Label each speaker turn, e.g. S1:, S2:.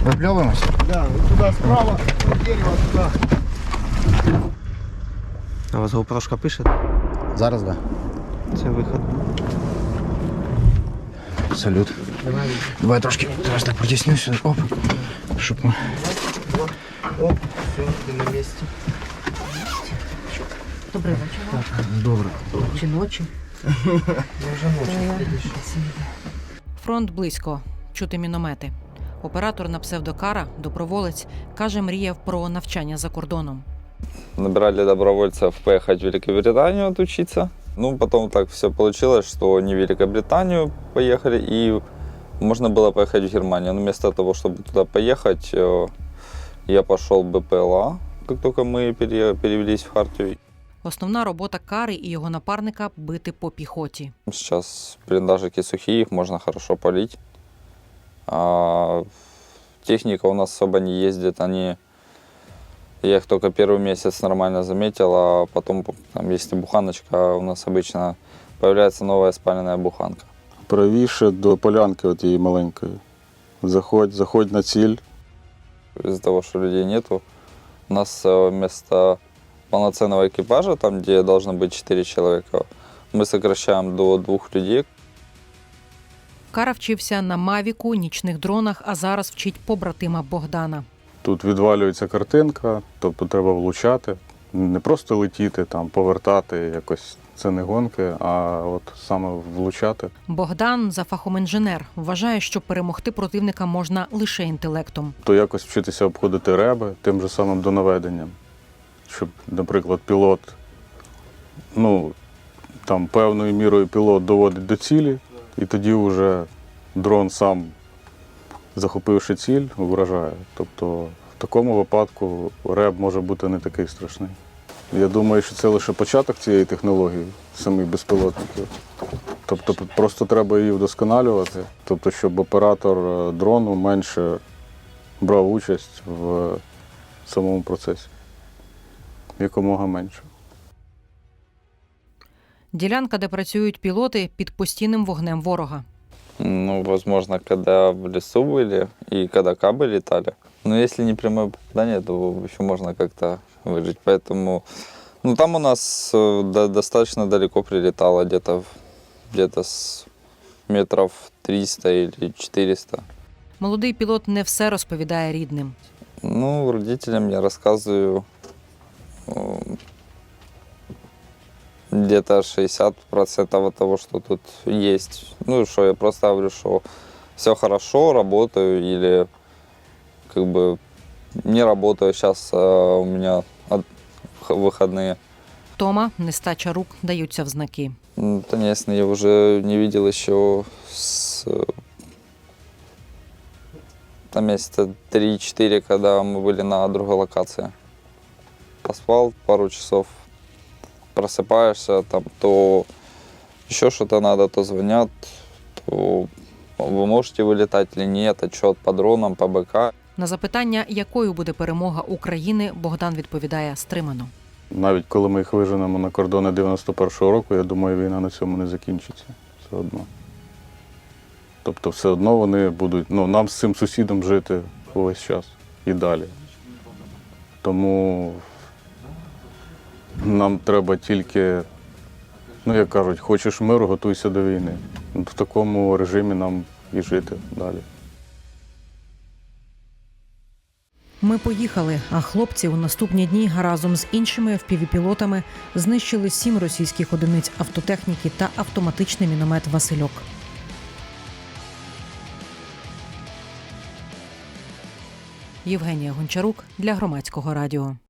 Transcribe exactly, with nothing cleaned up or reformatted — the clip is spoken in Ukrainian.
S1: Випльовуємося?
S2: Да, туда справа, дерево туда.
S3: А у вас GoPro пише?
S1: Зараз, да.
S3: Це виход.
S1: Салют.
S2: Давай.
S1: Давай трошки, зараз так протіснюся. Оп. Щоб ми...
S2: Оп, все, ты на месте.
S4: Добрий вечір.
S1: Добре.
S4: Чи ночі?
S2: Я уже ночью.
S5: Фронт близько. Чути міномети. Оператор на псевдокара, доброволець, каже, мріяв про навчання за кордоном.
S6: Набирали добровольцев поехать в Великобританию отучиться. Ну, потом так все получилось, что не в Великобританию поехали, и можно было поехать в Германию. Но вместо того, чтобы туда поехать, я пошел в БПЛА, как только мы перевелись в Хартию.
S5: Основна робота Кари і його напарника – бити по піхоті.
S6: Сейчас блиндажики сухие, их можно хорошо полить. А техника у нас особо не ездит, они... Я их только первый месяц нормально заметил, а потом, там, если буханочка, у нас обычно появляется новая спаленная буханка.
S7: Правіше до полянки от її маленької. Заходь, заходь на ціль.
S6: Из-за того, что людей нету, у нас вместо полноценного экипажа, там, где должно быть четыре человека, мы сокращаем до двух людей.
S5: Кара вчився на Мавіку, нічних дронах, а зараз вчить побратима Богдана.
S7: Тут відвалюється картинка, тобто треба влучати. Не просто летіти, там, повертати якось. Це не гонки, а от саме влучати.
S5: Богдан за фахом інженер. Вважає, що перемогти противника можна лише інтелектом.
S7: То якось вчитися обходити реби тим же самим донаведенням. Щоб, наприклад, пілот, ну, там певною мірою пілот доводить до цілі, і тоді вже дрон сам, захопивши ціль, вражає. Тобто в такому випадку реб може бути не такий страшний. Я думаю, що це лише початок цієї технології, самих безпілотників. Тобто просто треба її вдосконалювати, тобто щоб оператор дрону менше брав участь в самому процесі. Якомога менше.
S5: Ділянка, де працюють пілоти, під постійним вогнем ворога.
S6: Ну, возможно, когда в лесу были и когда кабы летали. Но если не прямое попадание, то еще можно как-то выжить. Поэтому, ну, там у нас до, достаточно далеко прилетало, где-то где-то с метров триста или четыреста.
S5: Молодий пілот не все розповідає рідним.
S6: Ну, родителям я рассказываю где-то шестьдесят процентов от того, что тут есть. Ну, что я просто говорю, что все хорошо, работаю или как бы не работаю. Сейчас а, у меня от, выходные.
S5: Тома, нестача рук даються в знаки.
S6: Ну, конечно, я уже не видел еще с там месяца три-четыре, когда мы были на другой локации. Поспал пару часов, просыпаешься, там то еще что-то надо, то звонят, то вы можете вылетать или нет, отчет по дронам, по БК.
S5: На запитання, якою буде перемога України, Богдан відповідає стримано.
S7: Навіть коли ми їх виженемо на кордони дев'яносто першого року, я думаю, війна на цьому не закінчиться. Все одно. Тобто все одно вони будуть, ну, нам з цим сусідом жити увесь час і далі. Тому нам треба тільки, ну, як кажуть, хочеш миру, готуйся до війни. В такому режимі нам і жити далі.
S5: Ми поїхали, а хлопці у наступні дні разом з іншими еф пі ві-пілотами знищили сім російських одиниць автотехніки та автоматичний міномет «Васильок». Євгенія Гончарук для Громадського радіо.